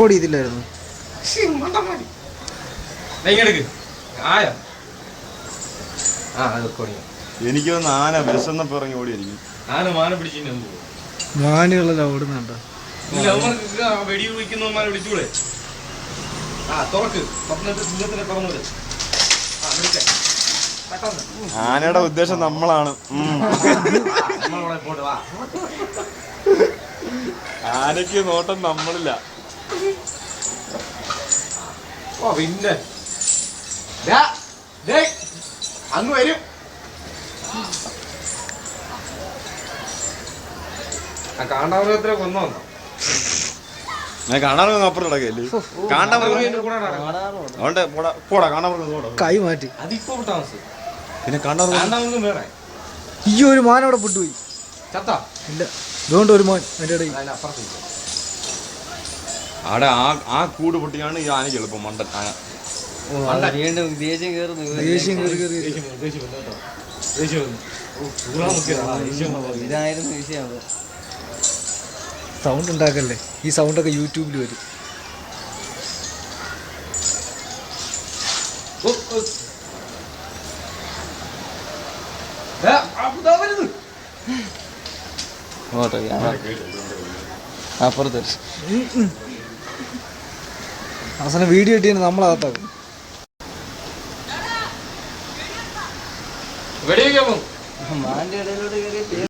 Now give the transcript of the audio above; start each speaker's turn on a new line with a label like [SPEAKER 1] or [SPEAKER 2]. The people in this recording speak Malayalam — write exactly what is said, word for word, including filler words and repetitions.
[SPEAKER 1] റെക്കോർഡ് ചെയ്തില്ലായിരുന്നു.
[SPEAKER 2] എനിക്ക് വന്ന് ആന വിശന്നപ്പോ ഇറങ്ങി ഓടിയായിരിക്കും.
[SPEAKER 3] ആന മാന പിടിച്ചു
[SPEAKER 1] മാനുകളെല്ലാം ഓടുന്നുണ്ടോ?
[SPEAKER 3] വെടി വിളിക്കുന്നവന്മാരെ വിളിച്ചൂടെ? ആ തുറക്ക് സിംഹത്തിനെ തുറന്നത്.
[SPEAKER 2] ആനയുടെ ഉദ്ദേശം നമ്മളാണ്. ആനയ്ക്ക് നോട്ടം നമ്മളില്ല.
[SPEAKER 3] ഓ പിന്നെ അങ്ങ് വരും. ആ കാണ്ടാമൃഗത്തിനെ കൊന്നോ?
[SPEAKER 2] ഞാൻ കാണാൻ അപ്പുറം നടക്കല്ലേ? പോടാ കാണാൻ
[SPEAKER 1] കൈ മാറ്റി.
[SPEAKER 3] അതിപ്പോ താമസം.
[SPEAKER 2] പിന്നെ കാണാൻ
[SPEAKER 3] വേറെ
[SPEAKER 1] ഈ ഒരു മാൻ അവിടെ പൊട്ടുപോയി.
[SPEAKER 3] ചത്താ
[SPEAKER 1] ഇല്ല, ഇതുകൊണ്ട് ഒരു മാൻ എൻ്റെ ഇടയിൽ.
[SPEAKER 2] അവിടെ ആ ആ കൂട് പൊട്ടിയാണ് ഈ ആനയ്ക്ക് എളുപ്പം. മണ്ടൻ ആന
[SPEAKER 4] വീണ്ടും ദേഷ്യം കയറുന്നു.
[SPEAKER 1] ദേഷ്യം കയറി കയറി
[SPEAKER 4] ഇതായിരുന്നു വിഷയം.
[SPEAKER 1] സൗണ്ട് ഉണ്ടാക്കല്ലേ, ഈ സൗണ്ടൊക്കെ യൂട്യൂബിൽ വരും.
[SPEAKER 4] അപ്പുറത്ത്
[SPEAKER 1] അവസാനം വീഡിയോ ഇട്ടിട്ട് നമ്മളകത്താക്കും.
[SPEAKER 3] വെടിവെക്കാൻ
[SPEAKER 4] മാന്റെ ഇടയിലോട്ട് കയറി